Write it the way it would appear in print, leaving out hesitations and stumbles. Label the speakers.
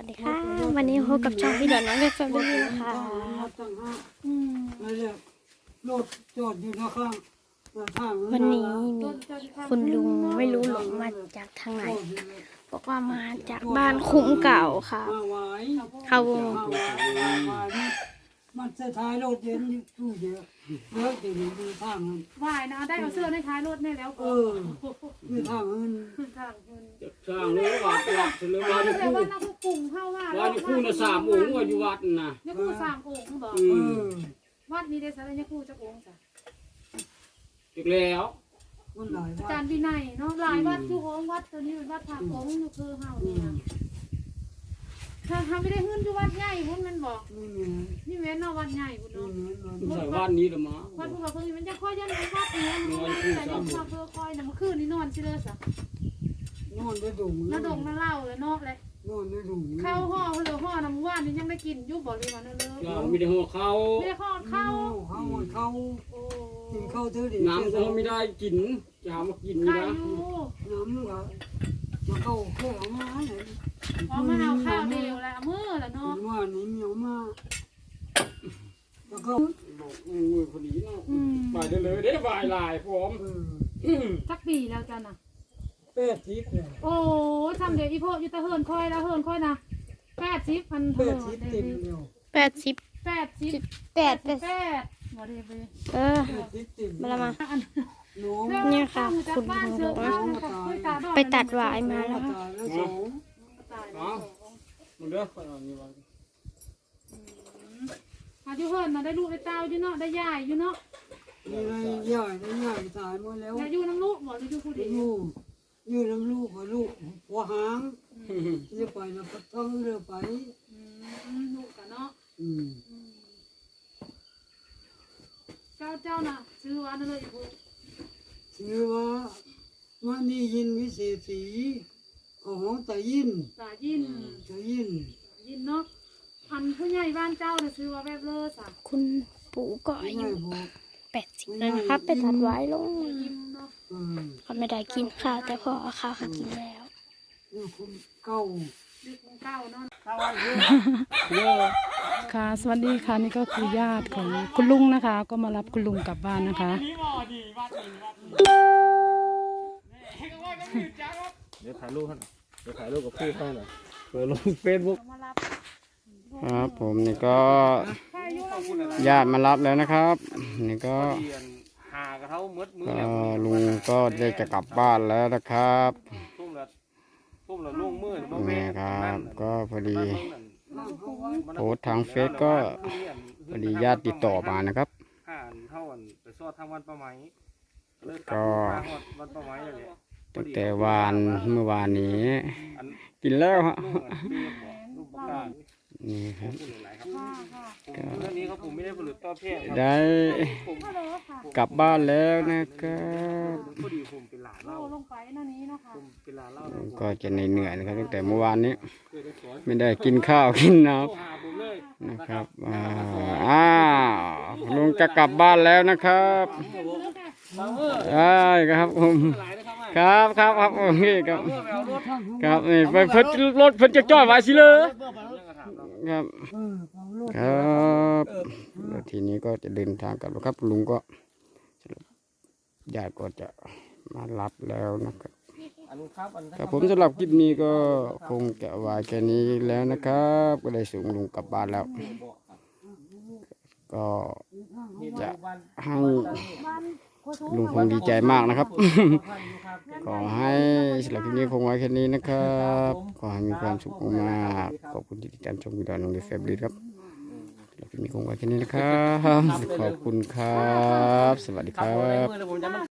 Speaker 1: ดีค่ะวันนี้พบกับช่องพี่ดอนน้องเล็กแฟมิลี่นะคะวันนี้มีคุณลุงไม่รู้หลงมาจากทางไหนบอกว่ามาจากบ้านคุ้มเก่าค่ะเขา
Speaker 2: มันจะท้ายรถเย็นตู้เยอะเยอะเดี๋ยวนี้ดูทางมัน
Speaker 3: ว่ายนะได้เอาเสื้อในท้ายรถนี่แล้ว
Speaker 2: ดูทางมัน
Speaker 4: สร้างเลยวัดเลยว่าอยู่คู่
Speaker 3: ว่านักผู้ปรุงเข้าว่า
Speaker 4: อยู่คู่นะ3 องค์ว่าอยู่วัดน่ะ
Speaker 3: นักผู้3 องค์บอกวัดนี้ได้สารนักผู้จักองค์จ้ะ
Speaker 4: อีกแล้ว
Speaker 2: มันหลายวัด
Speaker 3: อาจารย์วินัยเนาะหลายวัดทุกองค์วัดตัวนี้เป็นวัดผักองค์อยู่คือเฮานี่นะถ้าทำไม่ได้ขึ้นอยู่วัดใหญ่พุ่นมันบอกนี่แม่นเนาะวัดใหญ่พุ่นเนาะ
Speaker 4: ใส่บ้านนี้ละมา
Speaker 3: วัดพุ่นบอกเพิ่นมันจะค่อยยันวัดนี้มันแต่ยังพาเพื่อค่อยน่ะเมื่อคืนนี้นอนสิเลยซะ
Speaker 2: นอนได้ดุ
Speaker 3: น้าดงน้าเล่าเลยเนาะเลย
Speaker 2: นอนได้ดุ
Speaker 3: ข้าวห่อเหลือห่อน้ำว่านนี่ยังได้กินอยู่บ่หรือว่าเนอะ
Speaker 4: มีแต่หัวเขา
Speaker 3: ไม่ได้ห่อข้าว
Speaker 2: กินข้าวเท่าดี
Speaker 4: น้ำก็ไม่ได้กินจะหามากินนี่นะ
Speaker 2: น้ำก็มาเข้าแค่เอามาไหน
Speaker 3: เอามาเอาข้าวเดียวแล้วมื้อละเนาะ
Speaker 2: ว่านี่มีเอามาแล้วก็
Speaker 4: บอกมือพอดีเนาะไปได้เลยได้วายลายพร้อม
Speaker 3: สักปีแล้วจ้ะน่ะ
Speaker 2: 80เลย
Speaker 3: โอ้ทำเดี๋ยวอีพ่ออยู่ตะเฮินค่อยแล้วเฮินค่อยนะ80พันเท่า
Speaker 2: 80เต็มเดียว
Speaker 1: 80 8
Speaker 3: บ่ได้ไป
Speaker 1: มาละมา
Speaker 2: น้อง
Speaker 1: เนี่ยค่ะคุณลุงบอกว่าไปตัดหวายมาแล้ว
Speaker 4: มันเด้อคนนี้ว่า
Speaker 3: อยู่เฮินน่ะได้ลูกได้เต้าอยู่เนาะได้ยายอยู่เนาะ
Speaker 2: นี่ไงใหญ่ตายหมดแล้ว
Speaker 3: อยู่น้ำลูกบ่อยู่ผู้เดียว
Speaker 2: อยู่น้ำลูกหัวหางจะไปแล้วก็ต้องเรือไป
Speaker 3: ลูกกันเนาะเจ้าน่ะซื้อว่านั่นเลยอีก
Speaker 2: ชื่อว่ามันนี่ยินวิเศษสีของตายิน
Speaker 3: เนาะอันผู้ใหญ่บ้านเจ้าน่ะซื้อว่าแบบเลิศอ่ะ
Speaker 1: คุณปู่ก็อายุ80แล้วนะครับไปตัดหวายลงเขาไม่ได้กินข้าวแต่พอเอาข้าวเขากินแล้ว
Speaker 2: เก้า
Speaker 3: เนาะ
Speaker 5: ค่ะสวัสดีค่ะนี่ก็คือญาติของคุณลุงนะคะก็มารับคุณลุงกลับบ้านนะคะ
Speaker 4: เดี๋ยวถ่ายรูปกับพี่เขาหน่อยเปิดลงเฟซบุ๊ก
Speaker 6: ครับผมนี่ก็ญาติมารับแล้วนะครับนี่ก็ลุงก็ได้จะกลับบ้านแล้วนะครับนี่ครับก็พอดีโพสทางเฟซก็พอดีญาติติดต่อมานะครับก็ตั้งแต่เมื่อวานนี้กินแล้วฮะนี่ครับได้กลับบ้านแล้วนะครับก็จะเหนื่อยนะครับตั้งแต่เมื่อวานนี้ไม่ได้กินข้าวกินน้ำนะครับลุงจะกลับบ้านแล้วนะครับได้ครับผมครับโอเคครับนี่ไปเพิ่นรถเพิ่นจะจอดไว้สิเลยครับแล้วทีนี้ก็จะเดินทางกลับแล้วครับลุงก็ญาติก็จะมารับแล้วนะครับครับผมสำหรับคลิปนี้ก็คงจะไว้แค่นี้แล้วนะครับก็ได้ส่งลุงกลับบ้านแล้วก็จะให้ลุงคงดีใจมากนะครับขอให้สำหรับคลิปนี้คงไว้แค่นี้นะครับขอให้มีความสุขมากขอบคุณที่ติดตามชมวิดีโอน้องเดฟแฟบลิครับสำหรับคลิปนี้คงไว้แค่นี้นะครับขอบคุณครับสวัสดีครับ